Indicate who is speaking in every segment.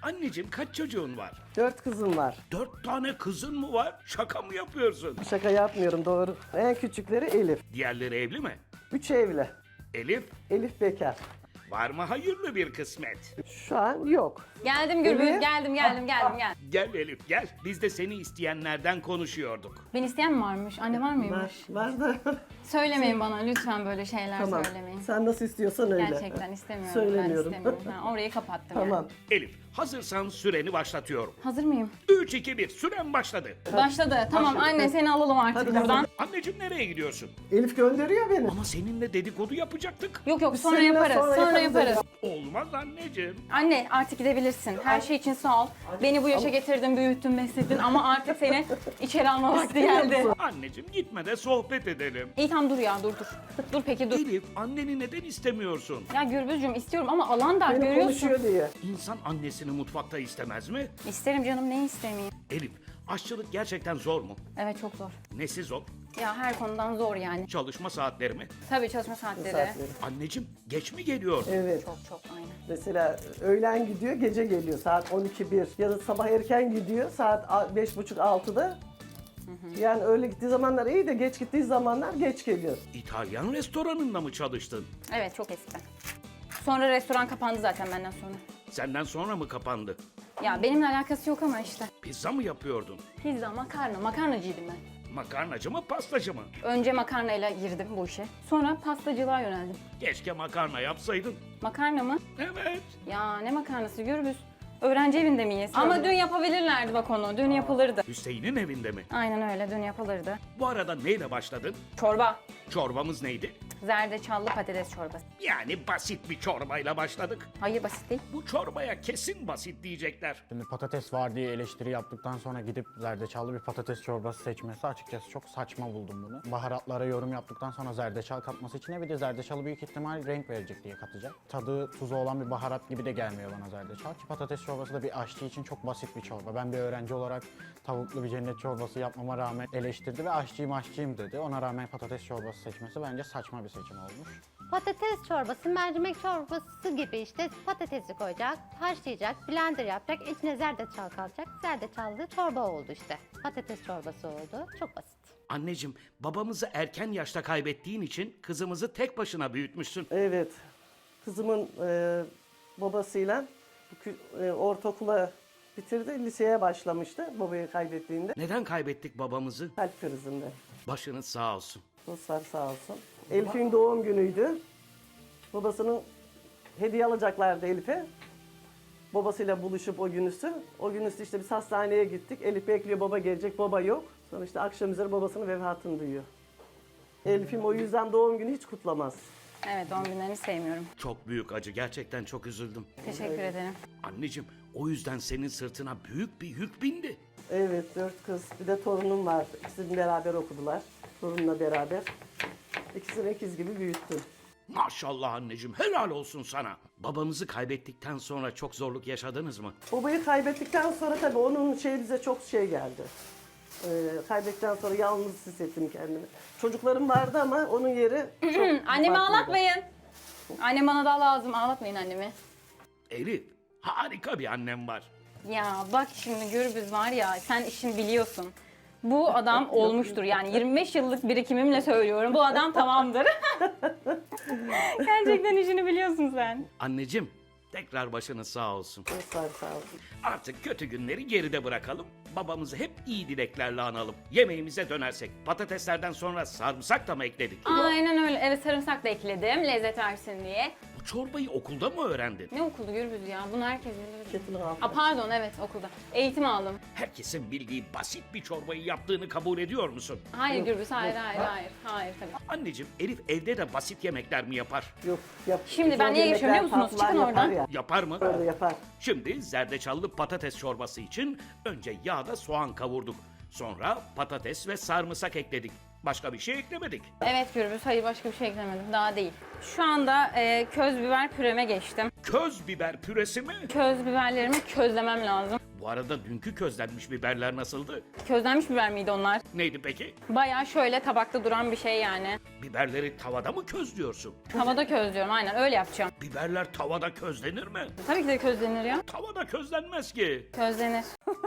Speaker 1: Anneciğim kaç çocuğun var?
Speaker 2: 4 kızım var.
Speaker 1: 4 tane kızın mı var? Şaka mı yapıyorsun?
Speaker 2: Şaka yapmıyorum, doğru. En küçükleri Elif.
Speaker 1: Diğerleri evli mi?
Speaker 2: 3 evli.
Speaker 1: Elif,
Speaker 2: Elif bekar.
Speaker 1: var mı hayırlı bir kısmet?
Speaker 2: Şu an yok.
Speaker 3: Geldim Gürbüz,
Speaker 2: Evet.
Speaker 3: geldim.
Speaker 1: Gel Elif gel. Biz de seni isteyenlerden konuşuyorduk.
Speaker 3: Ben isteyen mi varmış? Anne var mıymış?
Speaker 2: Var da.
Speaker 3: Söylemeyin bana lütfen böyle şeyler
Speaker 2: Tamam.
Speaker 3: söylemeyin.
Speaker 2: Sen nasıl istiyorsan öyle.
Speaker 3: Gerçekten istemiyorum.
Speaker 2: Söylemiyorum.
Speaker 3: Ben istemiyorum. Ben orayı kapattım
Speaker 2: Tamam.
Speaker 3: yani.
Speaker 1: Elif, hazırsan süreni başlatıyorum.
Speaker 3: Hazır mıyım?
Speaker 1: 3, 2, 1, süren başladı.
Speaker 3: Başladı. Tamam anne seni alalım artık
Speaker 2: Hadi
Speaker 3: buradan.
Speaker 1: Anneciğim nereye gidiyorsun?
Speaker 2: Elif gönderiyor beni.
Speaker 1: Ama seninle dedikodu yapacaktık.
Speaker 3: Yok yok sonra
Speaker 2: seninle
Speaker 3: yaparız.
Speaker 2: sonra
Speaker 3: Sonra
Speaker 2: yaparız.
Speaker 3: yaparız.
Speaker 1: Olmaz anneciğim.
Speaker 3: Anne artık gidebilirsin. Her şey için sağ ol. Beni bu yaşa getirdin, büyüttün, besledin ama artık seni içeri alma vakti geldi.
Speaker 1: Anneciğim gitme de sohbet edelim.
Speaker 3: İyi tamam dur ya dur. Dur peki dur.
Speaker 1: Elif, anneni neden istemiyorsun?
Speaker 3: Ya Gürbüzcüğüm istiyorum ama alan dar
Speaker 2: Beni
Speaker 3: görüyorsun.
Speaker 2: konuşuyor diye.
Speaker 1: İnsan annesini mutfakta istemez mi?
Speaker 3: İsterim canım ne istemeyeyim.
Speaker 1: Elif, aşçılık gerçekten zor mu?
Speaker 3: Evet çok zor.
Speaker 1: Nesi zor?
Speaker 3: Ya her konudan zor yani.
Speaker 1: Çalışma saatleri mi?
Speaker 3: Tabii çalışma saatleri.
Speaker 2: Saatleri.
Speaker 1: Anneciğim geç mi geliyor?
Speaker 2: Evet.
Speaker 3: Çok aynen.
Speaker 2: Mesela öğlen gidiyor, gece geliyor saat 12-1. Ya da sabah erken gidiyor saat 5.30-6'da. Yani öyle gittiği zamanlar iyi de geç gittiği zamanlar geç geliyor.
Speaker 1: İtalyan restoranında mı çalıştın?
Speaker 3: Evet çok eskiden. Sonra restoran kapandı zaten benden sonra.
Speaker 1: Senden sonra mı kapandı?
Speaker 3: Ya benimle alakası yok ama işte.
Speaker 1: Pizza mı yapıyordun?
Speaker 3: Pizza, makarnacıydım ben.
Speaker 1: Makarnacı mı, pastacı mı?
Speaker 3: Önce makarnayla girdim bu işe. Sonra pastacılığa yöneldim.
Speaker 1: Keşke makarna yapsaydın.
Speaker 3: Makarna mı?
Speaker 1: Evet.
Speaker 3: Ya ne makarnası Gürbüz? Öğrenci evinde miyiz? Ama dün yapabilirlerdi bak onu. Dün yapılırdı.
Speaker 1: Hüseyin'in evinde mi?
Speaker 3: Aynen öyle dün yapılırdı.
Speaker 1: Bu arada neyle başladın?
Speaker 3: Çorba.
Speaker 1: Çorbamız neydi?
Speaker 3: Zerdeçallı patates çorbası.
Speaker 1: Yani basit bir çorbayla başladık.
Speaker 3: Hayır basit değil.
Speaker 1: Bu çorbaya kesin basit diyecekler.
Speaker 4: Şimdi patates var diye eleştiri yaptıktan sonra gidip zerdeçallı bir patates çorbası seçmesi açıkçası çok saçma buldum bunu. Baharatlara yorum yaptıktan sonra zerdeçal katması içine bir de zerdeçalı büyük ihtimal renk verecek diye katacak. Tadı tuzu olan bir baharat gibi de gelmiyor bana zerdeçal ki patates çorbası da bir aşçı için çok basit bir çorba. Ben bir öğrenci olarak tavuklu bir cennet çorbası yapmama rağmen eleştirdi ve aşçıyım dedi. Ona rağmen patates çorbası seçmesi bence saçma bir seçim olmuş.
Speaker 5: Patates çorbası, mercimek çorbası gibi işte patatesi koyacak, haşlayacak, blender yapacak, içine zerdeçal kalacak. Zerdeçallı çorba oldu işte. Patates çorbası oldu. Çok basit.
Speaker 1: Anneciğim, babamızı erken yaşta kaybettiğin için kızımızı tek başına büyütmüşsün.
Speaker 2: Evet. Kızımın babasıyla ortaokula bitirdi, liseye başlamıştı babayı kaybettiğinde.
Speaker 1: Neden kaybettik babamızı?
Speaker 2: Kalp krizinde.
Speaker 1: Başınız sağ olsun.
Speaker 2: Dostlar sağ olsun. Elif'in doğum günüydü. Babasının hediye alacaklardı Elif'e. Babasıyla buluşup o günüsü. O günüsü işte biz hastaneye gittik. Elif bekliyor baba gelecek, baba yok. Sonra işte akşam üzeri babasının vefatını duyuyor. Elif'im o yüzden doğum günü hiç kutlamaz.
Speaker 3: Evet doğum günlerini sevmiyorum.
Speaker 1: Çok büyük acı, gerçekten çok üzüldüm.
Speaker 3: Teşekkür ederim.
Speaker 1: Anneciğim, o yüzden senin sırtına büyük bir yük bindi.
Speaker 2: Evet, 4 kız. Bir de torunum var. İkisini beraber okudular. Torunumla beraber. İkisini ikiz gibi büyüttüm.
Speaker 1: Maşallah anneciğim, helal olsun sana. Babamızı kaybettikten sonra çok zorluk yaşadınız mı?
Speaker 2: Babayı kaybettikten sonra tabii onun bize çok geldi. Kaybettikten sonra yalnız hissettim kendimi. Çocuklarım vardı ama onun yeri çok
Speaker 3: Annemi
Speaker 2: farklıydı.
Speaker 3: ağlatmayın. Annem bana daha lazım. Ağlatmayın annemi.
Speaker 1: Elif, harika bir annem var.
Speaker 3: Ya bak şimdi Gürbüz var ya sen işini biliyorsun. Bu adam olmuştur yani 25 yıllık birikimimle söylüyorum. Bu adam tamamdır. Gerçekten işini biliyorsun sen.
Speaker 1: Anneciğim, tekrar başınız sağ olsun.
Speaker 2: Dostlar sağ olsun.
Speaker 1: Artık kötü günleri geride bırakalım. Babamızı hep iyi dileklerle analım. Yemeğimize dönersek patateslerden sonra sarımsak da mı ekledik?
Speaker 3: Aynen öyle. Evet sarımsak da ekledim lezzet versin diye.
Speaker 1: Bu çorbayı okulda mı öğrendin?
Speaker 3: Ne okuldu Gürbüz ya? Bunu herkes bilir.
Speaker 2: Ketin altı.
Speaker 3: Pardon evet okulda. Eğitim aldım.
Speaker 1: Herkesin bildiği basit bir çorbayı yaptığını kabul ediyor musun?
Speaker 3: Hayır Gürbüz hayır. Hayır tabii.
Speaker 1: Anneciğim, Elif evde de basit yemekler mi yapar?
Speaker 2: Yok, yap.
Speaker 3: Şimdi ben
Speaker 2: Zor
Speaker 3: niye geçiyorum biliyor
Speaker 2: yemekler,
Speaker 3: musunuz?
Speaker 2: tatlılar
Speaker 3: Çıkın
Speaker 2: yapar
Speaker 3: oradan.
Speaker 2: ya.
Speaker 1: Yapar mı?
Speaker 2: Öyle yapar.
Speaker 1: Şimdi zerdeçallı patates çorbası için önce yağda soğan kavurduk. Sonra patates ve sarımsak ekledik. Başka bir şey eklemedik.
Speaker 3: Evet Gürbüz hayır başka bir şey eklemedim daha değil. Şu anda köz biber püreme geçtim.
Speaker 1: Köz biber püresi mi?
Speaker 3: Köz biberlerimi közlemem lazım.
Speaker 1: Bu arada dünkü közlenmiş biberler nasıldı?
Speaker 3: Közlenmiş biber miydi onlar?
Speaker 1: Neydi peki?
Speaker 3: Bayağı şöyle tabakta duran bir şey yani.
Speaker 1: Biberleri tavada mı közlüyorsun?
Speaker 3: Tavada közlüyorum aynen öyle yapacağım.
Speaker 1: Biberler tavada közlenir mi?
Speaker 3: Tabii ki de közlenir ya.
Speaker 1: Tavada közlenmez ki.
Speaker 3: Közlenir.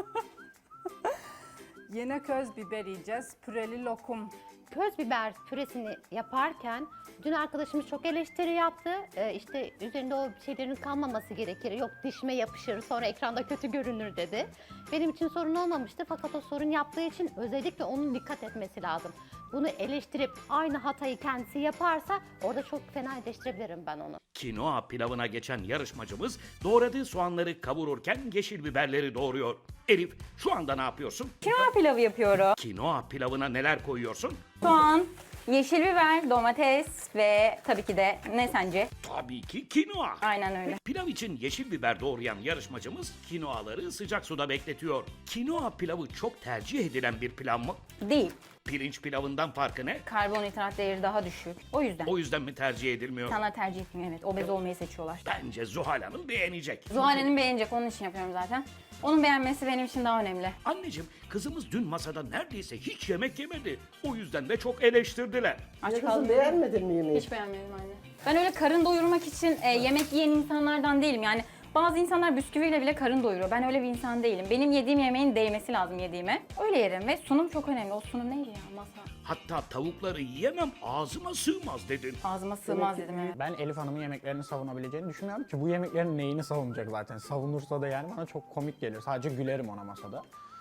Speaker 6: Yine köz biber yiyeceğiz. Püreli lokum.
Speaker 5: Köz biber püresini yaparken dün arkadaşımız çok eleştiri yaptı. İşte üzerinde o şeylerin kalmaması gerekir. Yok dişime yapışır sonra ekranda kötü görünür dedi. Benim için sorun olmamıştı fakat o sorun yaptığı için özellikle onun dikkat etmesi lazım. Bunu eleştirip aynı hatayı kendisi yaparsa orada çok fena eleştirebilirim ben onu.
Speaker 1: Kinoa pilavına geçen yarışmacımız doğradığı soğanları kavururken yeşil biberleri doğruyor. Elif, şu anda ne yapıyorsun?
Speaker 3: Kinoa pilavı yapıyorum.
Speaker 1: Kinoa pilavına neler koyuyorsun?
Speaker 3: Soğan, yeşil biber, domates ve tabii ki de ne sence?
Speaker 1: Tabii ki kinoa.
Speaker 3: Aynen öyle.
Speaker 1: Pilav için yeşil biber doğrayan yarışmacımız kinoaları sıcak suda bekletiyor. Kinoa pilavı çok tercih edilen bir pilav mı?
Speaker 3: Değil.
Speaker 1: Pirinç pilavından farkı ne?
Speaker 3: Karbonhidrat değeri daha düşük. O yüzden.
Speaker 1: O yüzden mi tercih edilmiyor?
Speaker 3: İnsanlar tercih etmiyor evet. Obez olmayı seçiyorlar.
Speaker 1: Bence Zuhal Hanım beğenecek.
Speaker 3: Zuhal'in beğenecek onun için yapıyorum zaten. Onun beğenmesi benim için daha önemli.
Speaker 1: Anneciğim, kızımız dün masada neredeyse hiç yemek yemedi. O yüzden de çok eleştirdiler.
Speaker 3: Aç
Speaker 2: Ya kızım
Speaker 3: kaldım.
Speaker 2: beğenmedin mi yemeği?
Speaker 3: Hiç beğenmedim anne. Ben öyle karın doyurmak için yemek yiyen insanlardan değilim. Yani bazı insanlar bisküviyle bile karın doyuruyor. Ben öyle bir insan değilim. Benim yediğim yemeğin değmesi lazım yediğime. Öyle yerim ve sunum çok önemli. O sunum neydi ya masa?
Speaker 1: Hatta tavukları yiyemem, ağzıma sığmaz dedin.
Speaker 3: Ağzıma sığmaz dedim evet.
Speaker 4: Ben Elif Hanım'ın yemeklerini savunabileceğini düşünmüyorum ki bu yemeklerin neyini savunacak zaten. Savunursa da yani bana çok komik gelir. Sadece gülerim ona masada.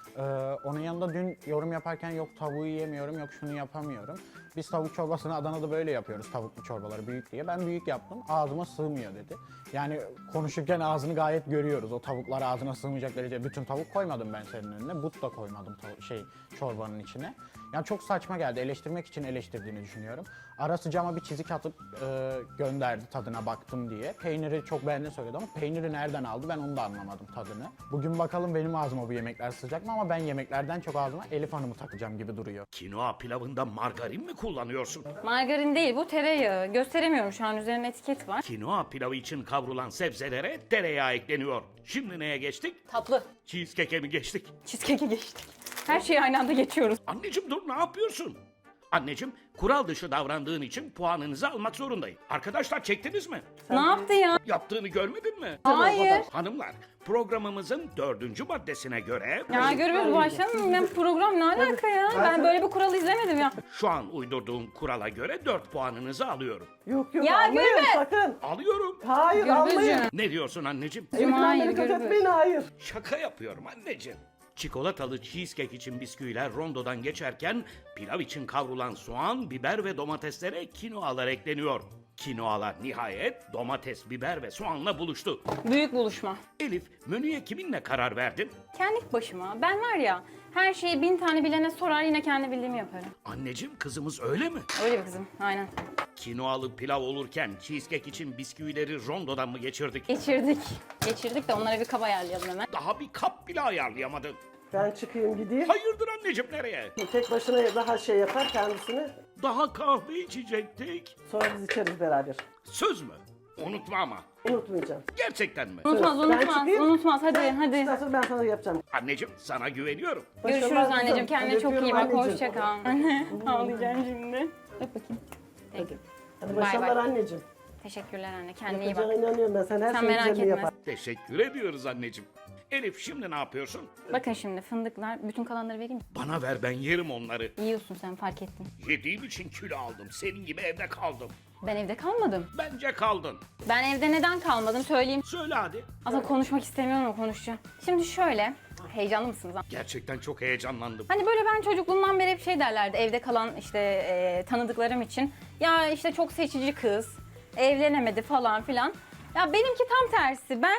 Speaker 4: Onun yanında dün yorum yaparken yok tavuğu yiyemiyorum, yok şunu yapamıyorum. Biz tavuk çorbasını Adana'da böyle yapıyoruz, tavuklu çorbaları büyük diye. Ben büyük yaptım, ağzıma sığmıyor dedi. Yani konuşurken ağzını gayet görüyoruz. O tavuklar ağzına sığmayacak derece. Bütün tavuk koymadım ben senin önüne. But da koymadım çorbanın içine. Yani çok saçma geldi. Eleştirmek için eleştirdiğini düşünüyorum. Ara sıcağıma bir çizik atıp gönderdi tadına baktım diye. Peyniri çok beğendiğini söyledi ama peyniri nereden aldı ben onu da anlamadım tadını. Bugün bakalım benim ağzıma bu yemekler sıcak mı ama ben yemeklerden çok ağzıma Elif Hanım'ı takacağım gibi duruyor.
Speaker 1: Kinoa pilavında margarin mi kullanıyorsun?
Speaker 3: Margarin değil bu tereyağı. Gösteremiyorum şu an üzerine etiket var.
Speaker 1: Kinoa pilavı için kavrulan sebzelere tereyağı ekleniyor. Şimdi neye geçtik?
Speaker 3: Tatlı.
Speaker 1: Cheesecake'e mi geçtik?
Speaker 3: Cheesecake'e geçtik. Her şeyi aynı anda geçiyoruz.
Speaker 1: Anneciğim dur, ne yapıyorsun? Anneciğim, kural dışı davrandığın için puanınızı almak zorundayım. Arkadaşlar çektiniz mi?
Speaker 3: Ne yaptı ya?
Speaker 1: Yaptığını görmedin mi?
Speaker 3: Hayır.
Speaker 1: Hanımlar, programımızın 4. maddesine göre
Speaker 3: Ya görüyoruz başlayalım. Ben program ne alaka ya? Ben böyle bir kuralı izlemedim ya.
Speaker 1: şu an uydurduğum kurala göre 4 puanınızı alıyorum.
Speaker 2: Yok yok
Speaker 3: Ya
Speaker 2: almayın
Speaker 3: Gürbüz!
Speaker 2: sakın.
Speaker 1: Alıyorum.
Speaker 2: Hayır almayın.
Speaker 3: Gürbüzcüğüm.
Speaker 1: Ne diyorsun anneciğim?
Speaker 2: Elimden
Speaker 3: Hayır,
Speaker 2: beni
Speaker 3: Gürbüz.
Speaker 2: etmeyin hayır.
Speaker 1: Şaka yapıyorum anneciğim. Çikolatalı cheesecake için bisküviler rondodan geçerken pilav için kavrulan soğan, biber ve domateslere kinoalar ekleniyor. Kinoalar nihayet domates, biber ve soğanla buluştu.
Speaker 3: Büyük buluşma.
Speaker 1: Elif, menüye kiminle karar verdin?
Speaker 3: Kendi başıma. Ben var ya her şeyi 1000 tane bilene sorar yine kendi bildiğimi yaparım.
Speaker 1: Anneciğim, kızımız öyle mi?
Speaker 3: Öyle bir kızım. Aynen.
Speaker 1: Kinoalı pilav olurken cheesecake için bisküvileri rondodan mı geçirdik?
Speaker 3: Geçirdik. Geçirdik de onlara bir kaba ayarlayalım hemen.
Speaker 1: Daha bir kap bile ayarlayamadın.
Speaker 2: Ben çıkayım gideyim.
Speaker 1: Hayırdır anneciğim, nereye?
Speaker 2: Tek başına daha şey yapar kendisini.
Speaker 1: Daha kahve içecektik.
Speaker 2: Sonra biz içeriz beraber.
Speaker 1: Söz mü? Unutma ama.
Speaker 2: Unutmayacağım.
Speaker 1: Gerçekten mi?
Speaker 3: Unutmaz,
Speaker 2: Ben
Speaker 3: unutmaz,
Speaker 2: çıkayım.
Speaker 3: unutmaz. Hadi,
Speaker 2: Ondan
Speaker 3: hadi.
Speaker 2: sonra ben sana yapacağım.
Speaker 1: Anneciğim, sana güveniyorum.
Speaker 3: Görüşürüz
Speaker 2: Başarılar
Speaker 3: anneciğim.
Speaker 2: kızım.
Speaker 3: Kendine çok iyi bak.
Speaker 2: Öpüyorum
Speaker 3: Hoşça kal. Ağlayacağım şimdi. Öp bakayım.
Speaker 2: Hadi. Hadi
Speaker 3: Bay
Speaker 2: başarılar
Speaker 3: bay.
Speaker 2: anneciğim.
Speaker 3: Teşekkürler anne. Kendine iyi
Speaker 2: Yapacağına
Speaker 3: bak.
Speaker 2: inanıyorum ben. Sen her
Speaker 3: Sen
Speaker 2: şeyi
Speaker 3: merak
Speaker 2: güzelini
Speaker 3: etme.
Speaker 2: yapar.
Speaker 1: Teşekkür ediyoruz anneciğim. Elif, şimdi ne yapıyorsun?
Speaker 3: Bakın şimdi fındıklar. Bütün kalanları vereyim mi?
Speaker 1: Bana ver, ben yerim onları.
Speaker 3: Yiyorsun sen fark ettin.
Speaker 1: Yediğim için kilo aldım. Senin gibi evde kaldım.
Speaker 3: Ben evde kalmadım.
Speaker 1: Bence kaldın.
Speaker 3: Ben evde neden kalmadım söyleyeyim.
Speaker 1: Söyle hadi.
Speaker 3: Aslında konuşmak istemiyorum ama konuşacağım. Şimdi şöyle. Heyecanlı mısınız?
Speaker 1: Gerçekten çok heyecanlandım.
Speaker 3: Hani böyle ben çocukluğumdan beri hep şey derlerdi evde kalan işte tanıdıklarım için. Ya işte çok seçici kız, evlenemedi falan filan. Ya benimki tam tersi. Ben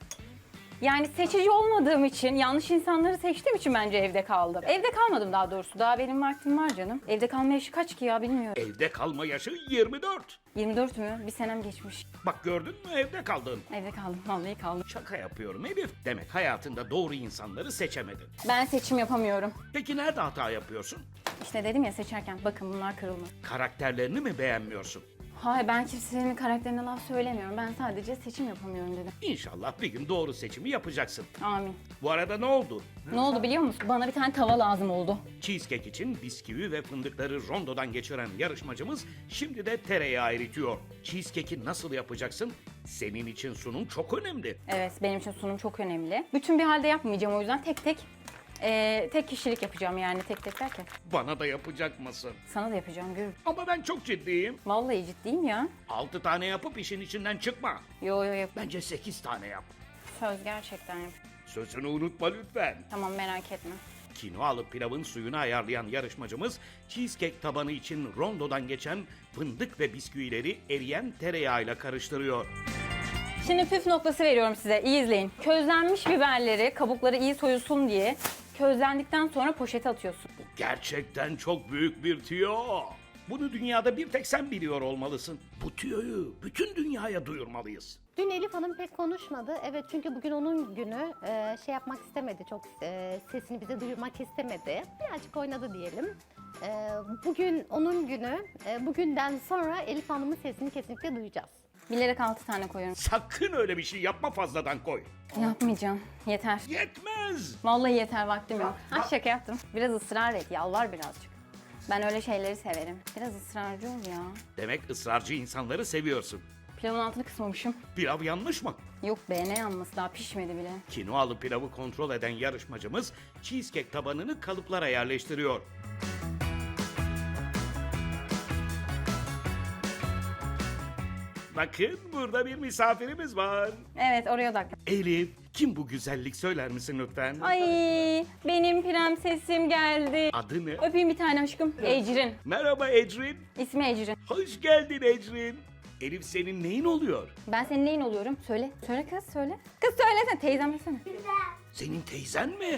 Speaker 3: yani seçici olmadığım için, yanlış insanları seçtiğim için bence evde kaldım. Evde kalmadım daha doğrusu. Daha benim vaktim var canım. Evde kalma yaşı kaç ki ya bilmiyorum.
Speaker 1: Evde kalma yaşı 24.
Speaker 3: 24 mü? Bir senem geçmiş.
Speaker 1: Bak gördün mü, evde kaldın.
Speaker 3: Evde kaldım. Vallahi kaldım.
Speaker 1: Şaka yapıyorum Elif. Demek hayatında doğru insanları seçemedin.
Speaker 3: Ben seçim yapamıyorum.
Speaker 1: Peki nerede hata yapıyorsun?
Speaker 3: İşte dedim ya seçerken bakın bunlar kırılma.
Speaker 1: Karakterlerini mi beğenmiyorsun?
Speaker 3: Hayır, ben kimsenin karakterine laf söylemiyorum. Ben sadece seçim yapamıyorum dedim.
Speaker 1: İnşallah bir gün doğru seçimi yapacaksın.
Speaker 3: Amin.
Speaker 1: Bu arada ne oldu?
Speaker 3: Ne oldu biliyor musun? Bana bir tane tava lazım oldu.
Speaker 1: Cheesecake için bisküvi ve fındıkları rondodan geçiren yarışmacımız şimdi de tereyağı eritiyor. Cheesecake'i nasıl yapacaksın? Senin için sunum çok önemli.
Speaker 3: Evet, benim için sunum çok önemli. Bütün bir halde yapmayacağım, o yüzden tek tek tek kişilik yapacağım, yani tek tek derken.
Speaker 1: Bana da yapacak mısın?
Speaker 3: Sana da yapacağım, gör.
Speaker 1: Ama ben çok ciddiyim.
Speaker 3: Vallahi ciddiyim ya.
Speaker 1: 6 tane yapıp işin içinden çıkma.
Speaker 3: Yo yo yap.
Speaker 1: Bence 8 tane yap.
Speaker 3: Söz, gerçekten yap.
Speaker 1: Sözünü unutma lütfen.
Speaker 3: Tamam, merak etme.
Speaker 1: Kinoalı pilavın suyunu ayarlayan yarışmacımız cheesecake tabanı için rondodan geçen fındık ve bisküvileri eriyen tereyağıyla karıştırıyor.
Speaker 3: Şimdi püf noktası veriyorum size. İyi izleyin. Közlenmiş biberleri, kabukları iyi soyulsun diye közlendikten sonra poşete atıyorsun.
Speaker 1: Bu gerçekten çok büyük bir tüyo. Bunu dünyada bir tek sen biliyor olmalısın. Bu tüyoyu bütün dünyaya duyurmalıyız.
Speaker 5: Dün Elif Hanım pek konuşmadı. Evet, çünkü bugün onun günü. Şey yapmak istemedi, çok sesini bize duyurmak istemedi. Birazcık oynadı diyelim. Bugün onun günü. Bugünden sonra Elif Hanım'ın sesini kesinlikle duyacağız.
Speaker 3: Bilerek 6 tane koyuyorum.
Speaker 1: Sakın öyle bir şey yapma, fazladan koy.
Speaker 3: Yapmayacağım. Yeter.
Speaker 1: Yetmez.
Speaker 3: Vallahi yeter, vaktim yok. Ha, şaka yaptım. Biraz ısrar et, yalvar birazcık. Ben öyle şeyleri severim. Biraz ısrarcı ol ya.
Speaker 1: Demek ısrarcı insanları seviyorsun.
Speaker 3: Pilavın altını kısmamışım.
Speaker 1: Pilav yanlış mı?
Speaker 3: Yok be, ne yanması, daha pişmedi bile.
Speaker 1: Kinoalı pilavı kontrol eden yarışmacımız cheesecake tabanını kalıplara yerleştiriyor. Bakın burada bir misafirimiz var.
Speaker 3: Evet, oraya odaklan.
Speaker 1: Elif, kim bu güzellik, söyler misin lütfen?
Speaker 3: Ay, benim prensesim geldi.
Speaker 1: Adı ne?
Speaker 3: Öpeyim bir tane aşkım. Ecrin.
Speaker 1: Merhaba Ecrin.
Speaker 3: İsmi Ecrin.
Speaker 1: Hoş geldin Ecrin. Elif senin neyin oluyor?
Speaker 3: Ben senin neyin oluyorum? Söyle. Söyle kız, söyle. Kız söylesene, teyzem desene.
Speaker 1: Senin teyzen mi?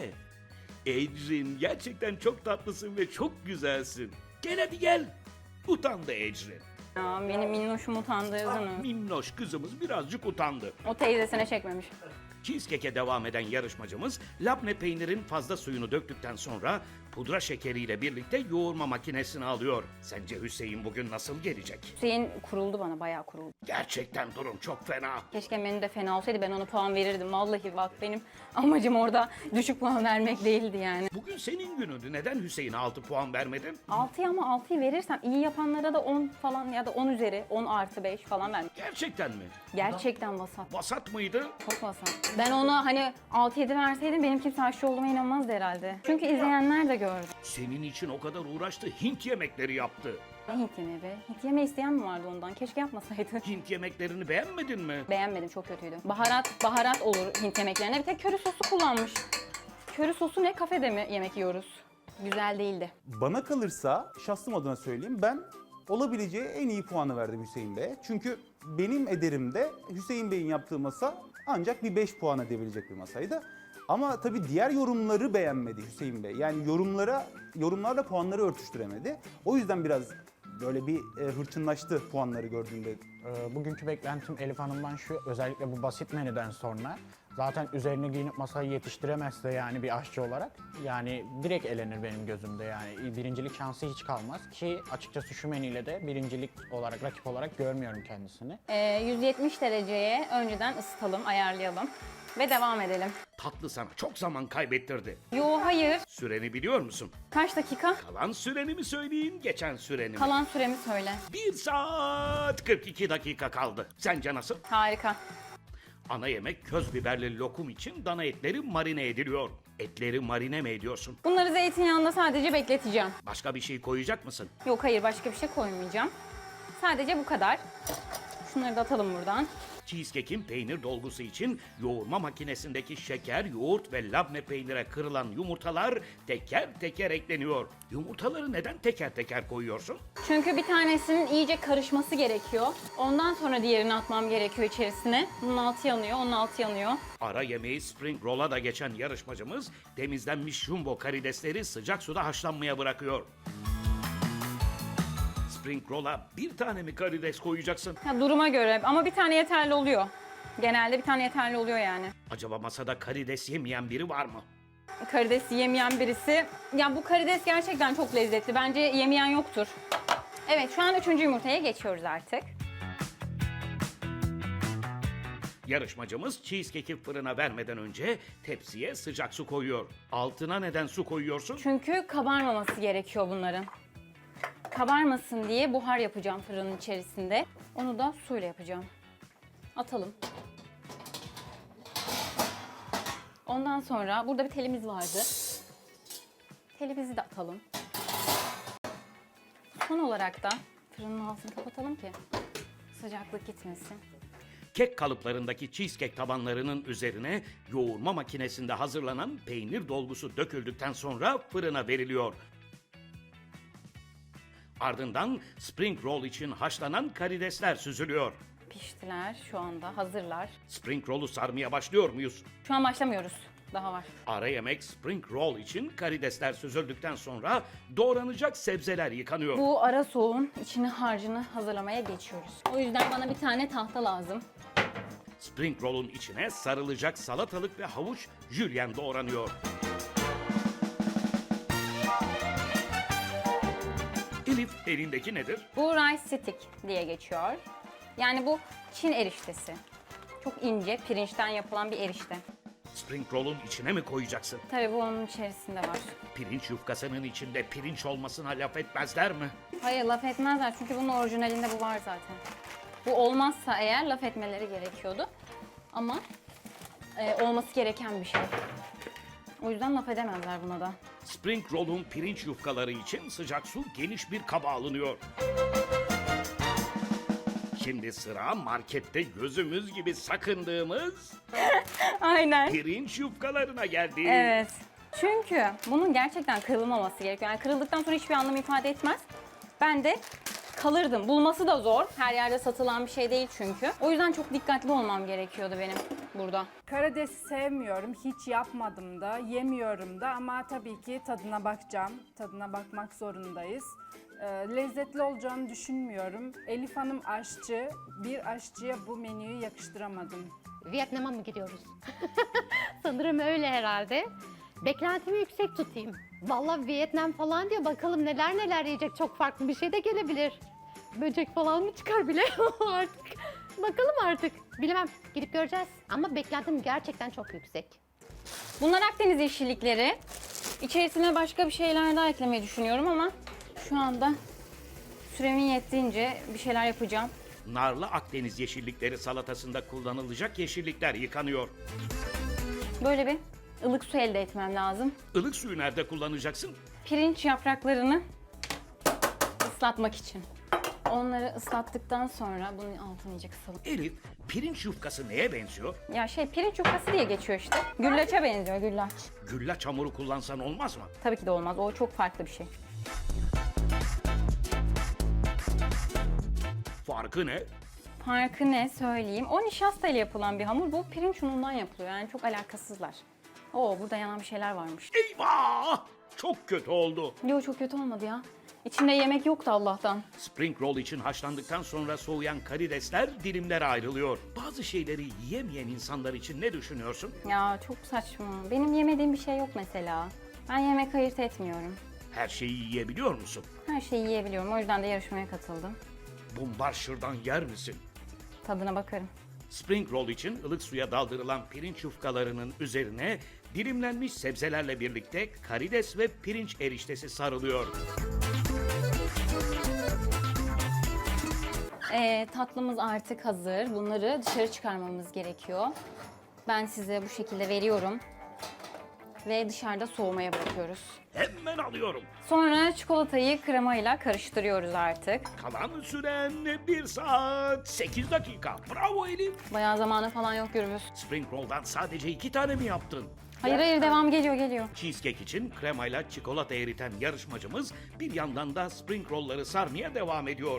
Speaker 1: Ecrin, gerçekten çok tatlısın ve çok güzelsin. Gel hadi gel. Utandı Ecrin.
Speaker 3: Ya, benim minnoşum utandırdınız.
Speaker 1: Minnoş kızımız birazcık utandı.
Speaker 3: O teyzesine çekmemiş.
Speaker 1: Cheesecake'e devam eden yarışmacımız labne peynirin fazla suyunu döktükten sonra pudra şekeriyle birlikte yoğurma makinesine alıyor. Sence Hüseyin bugün nasıl gelecek?
Speaker 3: Hüseyin kuruldu bana, bayağı kuruldu.
Speaker 1: Gerçekten durum çok fena.
Speaker 3: Keşke menü de fena olsaydı, ben ona puan verirdim. Vallahi bak, benim amacım orada düşük puan vermek değildi yani.
Speaker 1: Bugün senin günündü. Neden Hüseyin'e 6 puan vermedin?
Speaker 3: 6'ya, ama 6'yı verirsem iyi yapanlara da 10 falan ya da 10 üzeri, 10 artı 5 falan vermek.
Speaker 1: Gerçekten mi?
Speaker 3: Gerçekten vasat.
Speaker 1: Vasat mıydı?
Speaker 3: Çok vasat. Ben ona hani 6-7 verseydim benim kimse aşçı olduğuma inanmazdı herhalde. Çünkü izleyenler de gördü.
Speaker 1: Senin için o kadar uğraştı, Hint yemekleri yaptı.
Speaker 3: Ne Hint yemeği be? Hint yemeği isteyen mi vardı ondan? Keşke yapmasaydı.
Speaker 1: Hint yemeklerini beğenmedin mi?
Speaker 3: Beğenmedim, çok kötüydü. Baharat olur Hint yemeklerine. Bir tek köri sosu kullanmış. Köri sosu ne, kafede mi yemek yiyoruz? Güzel değildi.
Speaker 7: Bana kalırsa şahsım adına söyleyeyim, ben olabileceği en iyi puanı verdim Hüseyin Bey'e. Çünkü benim ederimde Hüseyin Bey'in yaptığı masa ancak bir 5 puan edebilecek bir masaydı. Ama tabii diğer yorumları beğenmedi Hüseyin Bey. Yani yorumlarla puanları örtüştüremedi. O yüzden biraz böyle bir hırçınlaştı puanları gördüğünde.
Speaker 4: Bugünkü beklentim Elif Hanım'dan şu, özellikle bu basit menüden sonra zaten üzerine giyinip masayı yetiştiremezse yani bir aşçı olarak, yani direkt elenir benim gözümde, yani birincilik şansı hiç kalmaz ki açıkçası şu menüyle de birincilik olarak, rakip olarak görmüyorum kendisini.
Speaker 3: 170 dereceye önceden ısıtalım, ayarlayalım ve devam edelim.
Speaker 1: Tatlı sana çok zaman kaybettirdi.
Speaker 3: Yo, hayır.
Speaker 1: Süreni biliyor musun?
Speaker 3: Kaç dakika?
Speaker 1: Kalan süreni mi söyleyeyim, geçen süreni mi?
Speaker 3: Kalan süremi söyle.
Speaker 1: 1 saat 42 dakika kaldı. Sence nasıl?
Speaker 3: Harika.
Speaker 1: Ana yemek köz biberli lokum için dana etleri marine ediliyor. Etleri marine mi ediyorsun?
Speaker 3: Bunları zeytinyağında sadece bekleteceğim.
Speaker 1: Başka bir şey koyacak mısın?
Speaker 3: Yok, hayır, başka bir şey koymayacağım. Sadece bu kadar. Şunları da atalım buradan.
Speaker 1: Cheesecake'in peynir dolgusu için yoğurma makinesindeki şeker, yoğurt ve labne peynire kırılan yumurtalar teker teker ekleniyor. Yumurtaları neden teker teker koyuyorsun?
Speaker 3: Çünkü bir tanesinin iyice karışması gerekiyor. Ondan sonra diğerini atmam gerekiyor içerisine. Bunun altı yanıyor, onun altı yanıyor.
Speaker 1: Ara yemeği spring roll'a da geçen yarışmacımız temizlenmiş jumbo karidesleri sıcak suda haşlanmaya bırakıyor. Spring roll'a bir tane mi karides koyacaksın?
Speaker 3: Ya, duruma göre, ama bir tane yeterli oluyor. Genelde bir tane yeterli oluyor yani.
Speaker 1: Acaba masada karides yemeyen biri var mı?
Speaker 3: Karides yemeyen birisi... Ya, bu karides gerçekten çok lezzetli. Bence yemeyen yoktur. Evet, şu an 3. yumurtaya geçiyoruz artık.
Speaker 1: Yarışmacımız cheesecake'i fırına vermeden önce tepsiye sıcak su koyuyor. Altına neden su koyuyorsun?
Speaker 3: Çünkü kabarmaması gerekiyor bunların. Kabarmasın diye buhar yapacağım fırının içerisinde. Onu da suyla yapacağım. Atalım. Ondan sonra burada bir telimiz vardı. Telimizi de atalım. Son olarak da fırının altını kapatalım ki sıcaklık gitmesin.
Speaker 1: Kek kalıplarındaki cheesecake tabanlarının üzerine yoğurma makinesinde hazırlanan peynir dolgusu döküldükten sonra fırına veriliyor. Ardından spring roll için haşlanan karidesler süzülüyor.
Speaker 3: Piştiler şu anda, hazırlar.
Speaker 1: Spring roll'u sarmaya başlıyor muyuz?
Speaker 3: Şu an başlamıyoruz. Daha var.
Speaker 1: Ara yemek spring roll için karidesler süzüldükten sonra doğranacak sebzeler yıkanıyor.
Speaker 3: Bu ara soğuğun içine harcını hazırlamaya geçiyoruz. O yüzden bana bir tane tahta lazım.
Speaker 1: Spring roll'un içine sarılacak salatalık ve havuç jülyen doğranıyor. Elif, elindeki nedir?
Speaker 3: Bu rice stick diye geçiyor. Yani bu Çin eriştesi. Çok ince, pirinçten yapılan bir erişte.
Speaker 1: Spring roll'un içine mi koyacaksın?
Speaker 3: Tabii bu onun içerisinde var.
Speaker 1: Pirinç yufkasının içinde pirinç olmasına laf etmezler mi?
Speaker 3: Hayır, laf etmezler çünkü bunun orijinalinde bu var zaten. Bu olmazsa eğer laf etmeleri gerekiyordu. Ama olması gereken bir şey. O yüzden laf edemezler buna da.
Speaker 1: Spring roll'un pirinç yufkaları için sıcak su geniş bir kaba alınıyor. Şimdi sıra markette gözümüz gibi sakındığımız
Speaker 3: Aynen.
Speaker 1: pirinç yufkalarına geldi.
Speaker 3: Evet. Çünkü bunun gerçekten kırılmaması gerekiyor. Yani kırıldıktan sonra hiçbir anlam ifade etmez. Ben de kalırdım. Bulması da zor. Her yerde satılan bir şey değil çünkü. O yüzden çok dikkatli olmam gerekiyordu benim burada.
Speaker 6: Karidesi sevmiyorum, hiç yapmadım da, yemiyorum da ama tabii ki tadına bakacağım. Tadına bakmak zorundayız. Lezzetli olacağını düşünmüyorum. Elif Hanım aşçı, bir aşçıya bu menüyü yakıştıramadım.
Speaker 5: Vietnam'a mı gidiyoruz? Sanırım öyle herhalde. Beklentimi yüksek tutayım. Vallahi Vietnam falan diyor. Bakalım neler neler yiyecek. Çok farklı bir şey de gelebilir. Böcek falan mı çıkar bile artık. Bakalım artık. Bilemem. Gidip göreceğiz. Ama beklentim gerçekten çok yüksek.
Speaker 3: Bunlar Akdeniz yeşillikleri. İçerisine başka bir şeyler daha eklemeyi düşünüyorum ama şu anda süremin yettiğince bir şeyler yapacağım.
Speaker 1: Narlı Akdeniz yeşillikleri salatasında kullanılacak yeşillikler yıkanıyor.
Speaker 3: Böyle bir ılık su elde etmem lazım.
Speaker 1: Ilık suyu nerede kullanacaksın?
Speaker 3: Pirinç yapraklarını ıslatmak için. Onları ıslattıktan sonra bunun altını iyice kısalım.
Speaker 1: Elif, pirinç yufkası neye benziyor?
Speaker 3: Ya pirinç yufkası diye geçiyor işte. Güllaça benziyor, güllaç.
Speaker 1: Güllaç hamuru kullansan olmaz mı?
Speaker 3: Tabii ki de olmaz. O çok farklı bir şey.
Speaker 1: Farkı ne?
Speaker 3: Farkı ne söyleyeyim. O nişastayla yapılan bir hamur. Bu pirinç unundan yapılıyor. Yani çok alakasızlar. Oo, burada yanan bir şeyler varmış.
Speaker 1: Eyvah! Çok kötü oldu.
Speaker 3: Yo, çok kötü olmadı ya. İçinde yemek yoktu Allah'tan.
Speaker 1: Spring roll için haşlandıktan sonra soğuyan karidesler dilimlere ayrılıyor. Bazı şeyleri yiyemeyen insanlar için ne düşünüyorsun?
Speaker 3: Ya çok saçma. Benim yemediğim bir şey yok mesela. Ben yemek ayırt etmiyorum.
Speaker 1: Her şeyi yiyebiliyor musun?
Speaker 3: Her şeyi yiyebiliyorum. O yüzden de yarışmaya katıldım.
Speaker 1: Bumbarşırdan yer misin?
Speaker 3: Tadına bakarım.
Speaker 1: Spring roll için ılık suya daldırılan pirinç yufkalarının üzerine dilimlenmiş sebzelerle birlikte karides ve pirinç eriştesi sarılıyor.
Speaker 3: Tatlımız artık hazır. Bunları dışarı çıkarmamız gerekiyor. Ben size bu şekilde veriyorum. Ve dışarıda soğumaya bırakıyoruz.
Speaker 1: Hemen alıyorum.
Speaker 3: Sonra çikolatayı kremayla karıştırıyoruz artık.
Speaker 1: Kalan süren 1 saat 8 dakika. Bravo Elif.
Speaker 3: Bayağı zamanı falan yok Gürbüz.
Speaker 1: Spring roll'dan sadece 2 tane mi yaptın?
Speaker 3: Hayır devam geliyor.
Speaker 1: Cheesecake için kremayla çikolata eriten yarışmacımız bir yandan da spring roll'ları sarmaya devam ediyor.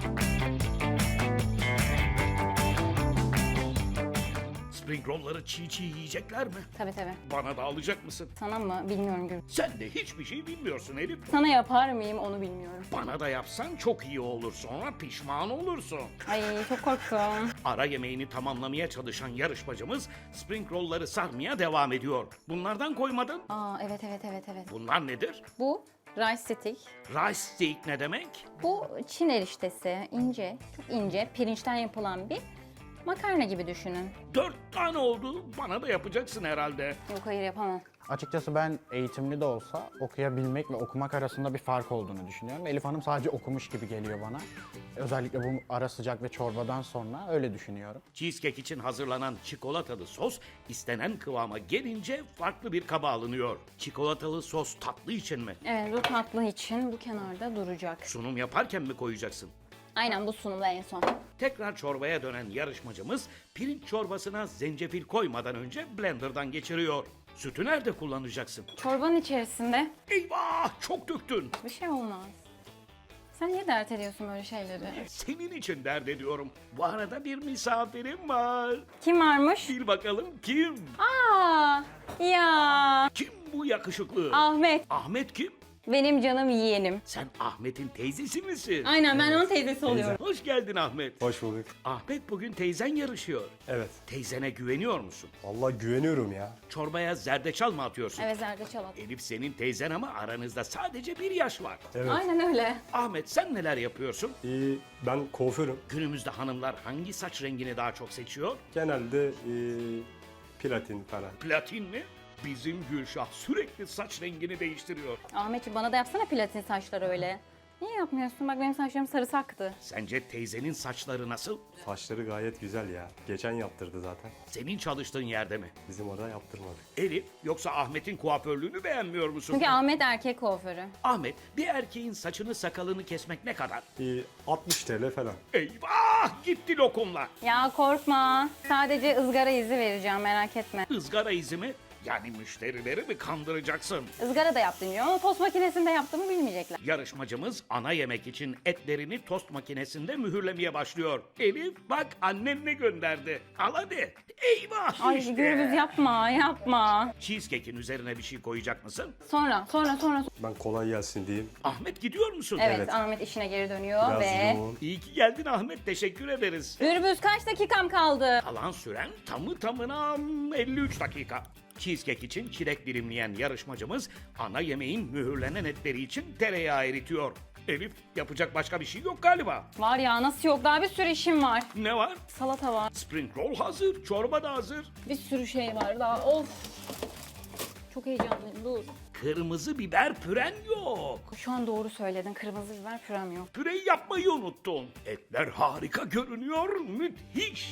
Speaker 1: Spring roll'ları çiğ yiyecekler mi?
Speaker 3: Tabii.
Speaker 1: Bana da alacak mısın?
Speaker 3: Sana mı? Bilmiyorum Gürbüz.
Speaker 1: Sen de hiçbir şey bilmiyorsun Elif.
Speaker 3: Sana yapar mıyım onu bilmiyorum.
Speaker 1: Bana da yapsan çok iyi olur, sonra pişman olursun.
Speaker 3: Ay çok korktum.
Speaker 1: Ara yemeğini tamamlamaya çalışan yarışmacımız spring roll'ları sarmaya devam ediyor. Bunlardan koymadın.
Speaker 3: Aa evet.
Speaker 1: Bunlar nedir?
Speaker 3: Bu rice stick.
Speaker 1: Rice steak ne demek?
Speaker 3: Bu Çin eriştesi. İnce, çok ince, pirinçten yapılan bir Makarna gibi düşünün.
Speaker 1: 4 tane oldu. Bana da yapacaksın herhalde.
Speaker 3: Yok hayır yapamam.
Speaker 4: Açıkçası ben eğitimli de olsa okuyabilmek ve okumak arasında bir fark olduğunu düşünüyorum. Elif Hanım sadece okumuş gibi geliyor bana. Özellikle bu ara sıcak ve çorbadan sonra öyle düşünüyorum.
Speaker 1: Cheesecake için hazırlanan çikolatalı sos istenen kıvama gelince farklı bir kaba alınıyor. Çikolatalı sos tatlı için mi?
Speaker 3: Evet bu tatlı için bu kenarda duracak.
Speaker 1: Sunum yaparken mi koyacaksın?
Speaker 3: Aynen bu sunumda en son.
Speaker 1: Tekrar çorbaya dönen yarışmacımız pirinç çorbasına zencefil koymadan önce blenderdan geçiriyor. Sütü nerede kullanacaksın?
Speaker 3: Çorbanın içerisinde
Speaker 1: Eyvah, çok döktün.
Speaker 3: bir şey olmaz. Sen niye dert ediyorsun böyle şeyleri?
Speaker 1: Senin için dert ediyorum. Bu arada bir misafirim var.
Speaker 3: Kim varmış?
Speaker 1: Bil bakalım kim?
Speaker 3: Aa, ya
Speaker 1: Kim bu yakışıklı?
Speaker 3: Ahmet.
Speaker 1: Ahmet kim?
Speaker 3: Benim canım yeğenim.
Speaker 1: Sen Ahmet'in teyzesi misin?
Speaker 3: Aynen ben onun teyzesi oluyorum.
Speaker 1: Hoş geldin Ahmet.
Speaker 8: Hoş bulduk.
Speaker 1: Ahmet bugün teyzen yarışıyor.
Speaker 8: Evet.
Speaker 1: Teyzene güveniyor musun?
Speaker 8: Vallahi güveniyorum ya.
Speaker 1: Çorbaya zerdeçal mı atıyorsun?
Speaker 3: Evet zerdeçal at.
Speaker 1: Elif senin teyzen ama aranızda sadece bir yaş var.
Speaker 8: Evet.
Speaker 3: Aynen öyle.
Speaker 1: Ahmet sen neler yapıyorsun?
Speaker 8: Ben kuaförüm.
Speaker 1: Günümüzde hanımlar hangi saç rengini daha çok seçiyor?
Speaker 8: Genelde platin falan.
Speaker 1: Platin mi? Bizim Gülşah sürekli saç rengini değiştiriyor.
Speaker 3: Ahmetciğim bana da yapsana platin saçları öyle. Niye yapmıyorsun? Bak benim saçlarım sarısı aktı.
Speaker 1: Sence teyzenin saçları nasıl?
Speaker 8: Saçları gayet güzel ya. Geçen yaptırdı zaten.
Speaker 1: Senin çalıştığın yerde mi?
Speaker 8: Bizim orada yaptırmadı.
Speaker 1: Elif yoksa Ahmet'in kuaförlüğünü beğenmiyor musun?
Speaker 3: Çünkü Ahmet erkek kuaförü.
Speaker 1: Ahmet bir erkeğin saçını sakalını kesmek ne kadar?
Speaker 8: 60 TL falan.
Speaker 1: Eyvah gitti lokumlar.
Speaker 3: Ya korkma. Sadece ızgara izi vereceğim merak etme.
Speaker 1: Izgara izi mi? Yani müşterileri mi kandıracaksın?
Speaker 3: Izgara da yaptım diyor ama tost makinesinde yaptığımı bilmeyecekler.
Speaker 1: Yarışmacımız ana yemek için etlerini tost makinesinde mühürlemeye başlıyor. Elif bak annen ne gönderdi. Al hadi. Eyvah
Speaker 3: Ay
Speaker 1: işte.
Speaker 3: Gürbüz yapma.
Speaker 1: Cheesecake'in üzerine bir şey koyacak mısın?
Speaker 3: Sonra.
Speaker 8: Ben kolay gelsin diyeyim.
Speaker 1: Ahmet gidiyor musun?
Speaker 3: Evet,
Speaker 8: Evet.
Speaker 3: Ahmet işine geri dönüyor
Speaker 8: Biraz
Speaker 3: ve...
Speaker 8: yoğun.
Speaker 1: İyi ki geldin Ahmet. Teşekkür ederiz.
Speaker 3: Gürbüz kaç dakikam kaldı?
Speaker 1: Kalan süren tamına 53 dakika. Cheesecake için çilek dilimleyen yarışmacımız ana yemeğin mühürlenen etleri için tereyağı eritiyor. Elif yapacak başka bir şey yok galiba.
Speaker 3: Var ya nasıl yok daha bir sürü işim var.
Speaker 1: Ne var?
Speaker 3: Salata var.
Speaker 1: Spring roll hazır, çorba da hazır.
Speaker 3: Bir sürü şey var daha of. Çok heyecanlıyım dur.
Speaker 1: Kırmızı biber püren yok.
Speaker 3: Şu an doğru söyledin kırmızı biber pürem yok.
Speaker 1: Püreyi yapmayı unuttun. Etler harika görünüyor, müthiş.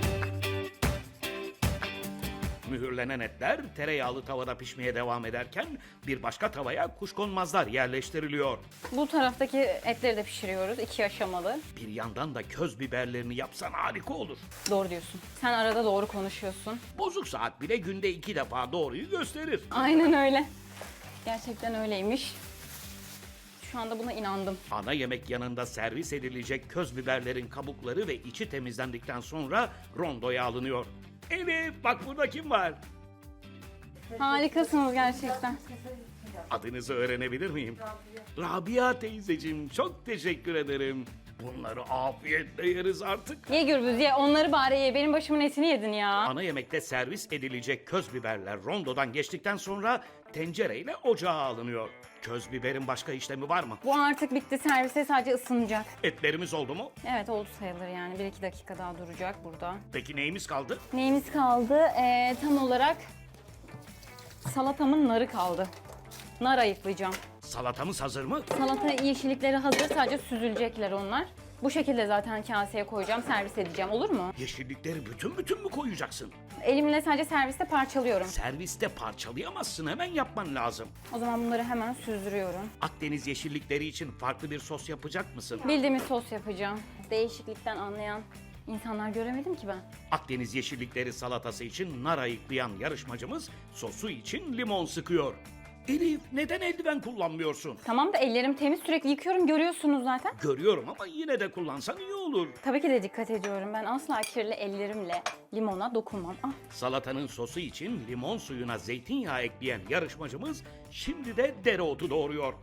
Speaker 1: Mühürlenen etler tereyağlı tavada pişmeye devam ederken bir başka tavaya kuşkonmazlar yerleştiriliyor.
Speaker 3: Bu taraftaki etleri de pişiriyoruz 2 aşamalı.
Speaker 1: Bir yandan da köz biberlerini yapsan harika olur.
Speaker 3: Doğru diyorsun. Sen arada doğru konuşuyorsun.
Speaker 1: Bozuk saat bile günde 2 defa doğruyu gösterir.
Speaker 3: Aynen öyle. Gerçekten öyleymiş. Şu anda buna inandım.
Speaker 1: Ana yemek yanında servis edilecek köz biberlerin kabukları ve içi temizlendikten sonra rondoya alınıyor. Elif bak burada kim var?
Speaker 3: Harikasınız gerçekten.
Speaker 1: Adınızı öğrenebilir miyim? Rabia teyzeciğim çok teşekkür ederim. Bunları afiyetle yeriz artık.
Speaker 3: Ye Gürbüz ye onları bari ye. Benim başımın etini yedin ya.
Speaker 1: Ana yemekte servis edilecek köz biberler rondodan geçtikten sonra tencereyle ocağa alınıyor. Köz biberin başka işlemi var mı?
Speaker 3: Bu artık bitti servise sadece ısınacak.
Speaker 1: Etlerimiz oldu mu?
Speaker 3: Evet oldu sayılır yani 1-2 dakika daha duracak burada.
Speaker 1: Peki neyimiz kaldı?
Speaker 3: Neyimiz kaldı? Tam olarak salatamın narı kaldı. Nar ayıklayacağım.
Speaker 1: Salatamız hazır mı?
Speaker 3: Salata yeşillikleri hazır sadece süzülecekler onlar. Bu şekilde zaten kaseye koyacağım servis edeceğim olur mu?
Speaker 1: Yeşillikleri bütün mü koyacaksın?
Speaker 3: Elimle sadece serviste parçalıyorum.
Speaker 1: Serviste parçalayamazsın, hemen yapman lazım.
Speaker 3: O zaman bunları hemen süzdürüyorum.
Speaker 1: Akdeniz yeşillikleri için farklı bir sos yapacak mısın?
Speaker 3: Bildiğimiz sos yapacağım. Değişiklikten anlayan insanlar göremedim ki ben.
Speaker 1: Akdeniz yeşillikleri salatası için nar ayıklayan yarışmacımız sosu için limon sıkıyor. Elif neden eldiven kullanmıyorsun?
Speaker 3: Tamam da ellerim temiz sürekli yıkıyorum görüyorsunuz zaten.
Speaker 1: Görüyorum ama yine de kullansan iyi olur.
Speaker 3: Tabii ki de dikkat ediyorum. Ben asla kirli ellerimle limona dokunmam. Ah.
Speaker 1: Salatanın sosu için limon suyuna zeytinyağı ekleyen yarışmacımız şimdi de dereotu doğruyor.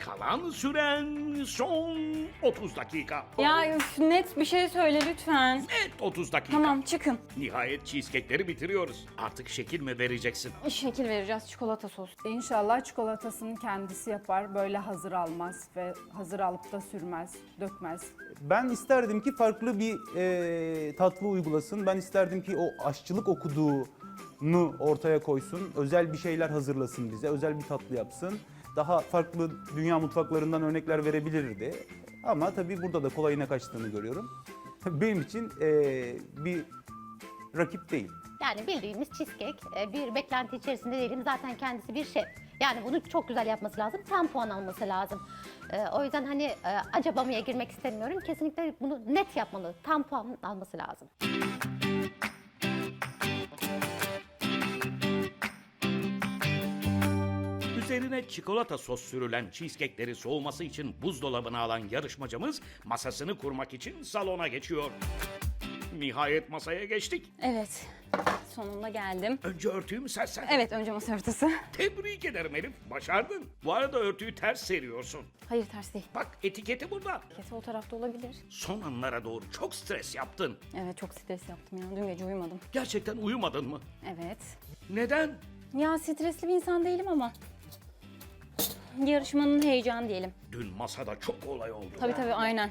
Speaker 1: Kalan süren son 30 dakika.
Speaker 3: Ya üf, net bir şey söyle lütfen.
Speaker 1: Evet 30 dakika.
Speaker 3: Tamam çıkın.
Speaker 1: Nihayet cheesecake'leri bitiriyoruz. Artık şekil mi vereceksin?
Speaker 3: Şekil vereceğiz çikolata sos.
Speaker 6: İnşallah çikolatasını kendisi yapar. Böyle hazır almaz ve hazır alıp da sürmez, dökmez.
Speaker 7: Ben isterdim ki farklı bir tatlı uygulasın. Ben isterdim ki o aşçılık okuduğunu ortaya koysun. Özel bir şeyler hazırlasın bize. Özel bir tatlı yapsın. Daha farklı dünya mutfaklarından örnekler verebilirdi. Ama tabii burada da kolayına kaçtığını görüyorum. Benim için bir rakip değil.
Speaker 5: Yani bildiğimiz cheesecake. Bir beklenti içerisinde değilim. Zaten kendisi bir şef. Yani bunu çok güzel yapması lazım. Tam puan alması lazım. O yüzden hani acabamaya girmek istemiyorum. Kesinlikle bunu net yapmalı. Tam puan alması lazım.
Speaker 1: Üzerine çikolata sos sürülen cheesecake'leri soğuması için buzdolabına alan yarışmacımız masasını kurmak için salona geçiyor. Nihayet masaya geçtik.
Speaker 3: Evet. Sonunda geldim.
Speaker 1: Önce örtüyü mü sersen?
Speaker 3: Evet önce masa örtüsü.
Speaker 1: Tebrik ederim Elif. Başardın. Bu arada örtüyü ters seriyorsun.
Speaker 3: Hayır ters değil.
Speaker 1: Bak etiketi burada.
Speaker 3: Kesin o tarafta olabilir.
Speaker 1: Son anlara doğru çok stres yaptın.
Speaker 3: Evet çok stres yaptım ya. Dün gece uyumadım.
Speaker 1: Gerçekten uyumadın mı?
Speaker 3: Evet.
Speaker 1: Neden?
Speaker 3: Ya stresli bir insan değilim ama. Yarışmanın heyecanı diyelim.
Speaker 1: Dün masada çok olay oldu.
Speaker 3: Tabii aynen.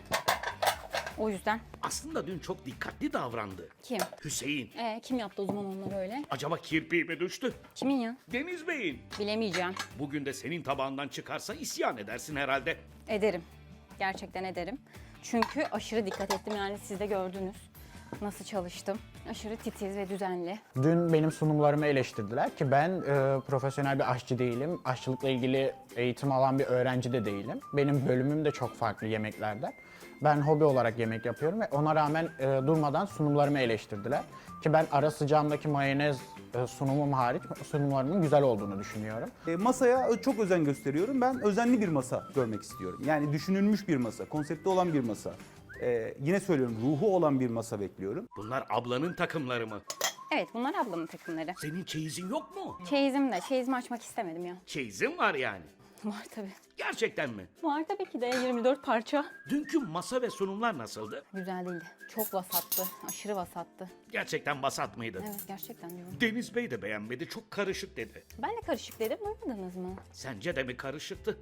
Speaker 3: O yüzden.
Speaker 1: Aslında dün çok dikkatli davrandı.
Speaker 3: Kim?
Speaker 1: Hüseyin.
Speaker 3: Kim yaptı o zaman onları öyle?
Speaker 1: Acaba kirpiği mi düştü?
Speaker 3: Kimin ya?
Speaker 1: Deniz Bey'in.
Speaker 3: Bilemeyeceğim.
Speaker 1: Bugün de senin tabağından çıkarsa isyan edersin herhalde.
Speaker 3: Ederim. Gerçekten ederim. Çünkü aşırı dikkat ettim yani siz de gördünüz. Nasıl çalıştım. Aşırı titiz ve düzenli.
Speaker 4: Dün benim sunumlarımı eleştirdiler ki ben profesyonel bir aşçı değilim. Aşçılıkla ilgili eğitim alan bir öğrenci de değilim. Benim bölümüm de çok farklı yemeklerden. Ben hobi olarak yemek yapıyorum ve ona rağmen durmadan sunumlarımı eleştirdiler. Ki ben ara sıcağımdaki mayonez sunumum hariç sunumlarımın güzel olduğunu düşünüyorum.
Speaker 7: Masaya çok özen gösteriyorum. Ben özenli bir masa görmek istiyorum. Yani düşünülmüş bir masa, konsepti olan bir masa. Yine söylüyorum, ruhu olan bir masa bekliyorum.
Speaker 1: Bunlar ablanın takımları mı?
Speaker 3: Evet bunlar ablamın takımları.
Speaker 1: Senin çeyizin yok mu?
Speaker 3: Çeyizim de. Çeyizimi açmak istemedim ya.
Speaker 1: Çeyizin var yani.
Speaker 3: Var tabii.
Speaker 1: Gerçekten mi?
Speaker 3: Var tabii ki de 24 parça.
Speaker 1: Dünkü masa ve sunumlar nasıldı?
Speaker 3: Güzel değildi. Çok vasattı. Aşırı vasattı.
Speaker 1: Gerçekten vasat mıydı?
Speaker 3: Evet gerçekten diyorum.
Speaker 1: Deniz Bey de beğenmedi, çok karışık dedi.
Speaker 3: Ben de karışık dedim. Duymadınız mı?
Speaker 1: Sence de mi karışıktı?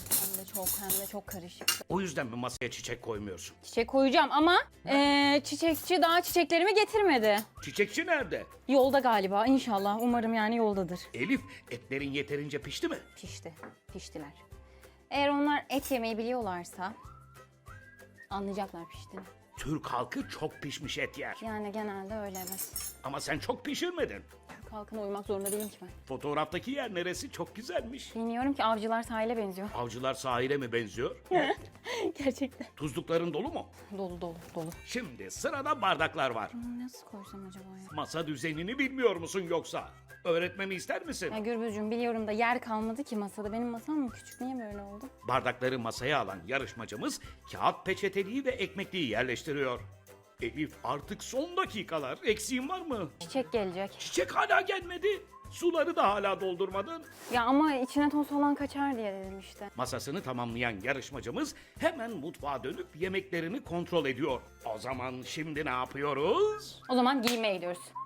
Speaker 3: Hem de çok karışık.
Speaker 1: O yüzden mi masaya çiçek koymuyorsun?
Speaker 3: Çiçek koyacağım ama çiçekçi daha çiçeklerimi getirmedi.
Speaker 1: Çiçekçi nerede?
Speaker 3: Yolda galiba inşallah. Umarım yani yoldadır.
Speaker 1: Elif, etlerin yeterince pişti mi?
Speaker 3: Pişti. Piştiler. Eğer onlar et yemeyi biliyorlarsa anlayacaklar piştiğini.
Speaker 1: Türk halkı çok pişmiş et yer.
Speaker 3: Yani genelde öyle evet.
Speaker 1: Ama sen çok pişirmedin.
Speaker 3: Türk halkına uymak zorunda değilim ki ben.
Speaker 1: Fotoğraftaki yer neresi? Çok güzelmiş.
Speaker 3: Bilmiyorum ki avcılar sahile benziyor.
Speaker 1: Avcılar sahile mi benziyor?
Speaker 3: Gerçekten.
Speaker 1: Tuzlukların dolu mu?
Speaker 3: Dolu dolu dolu.
Speaker 1: Şimdi sırada bardaklar var.
Speaker 3: Nasıl koysam acaba ya?
Speaker 1: Masa düzenini bilmiyor musun yoksa? Öğretmemi ister misin?
Speaker 3: Ya Gürbüzcüğüm biliyorum da yer kalmadı ki masada. Benim masam mı küçük? Niye böyle oldu?
Speaker 1: Bardakları masaya alan yarışmacımız kağıt peçeteliği ve ekmekliği yerleştiriyor. Elif artık son dakikalar. Eksiğin var mı?
Speaker 3: Çiçek gelecek.
Speaker 1: Çiçek hala gelmedi. Suları da hala doldurmadın.
Speaker 3: Ya ama içine toz falan kaçar diye dedim işte.
Speaker 1: Masasını tamamlayan yarışmacımız hemen mutfağa dönüp yemeklerini kontrol ediyor. O zaman şimdi ne yapıyoruz?
Speaker 3: O zaman giymeye gidiyoruz.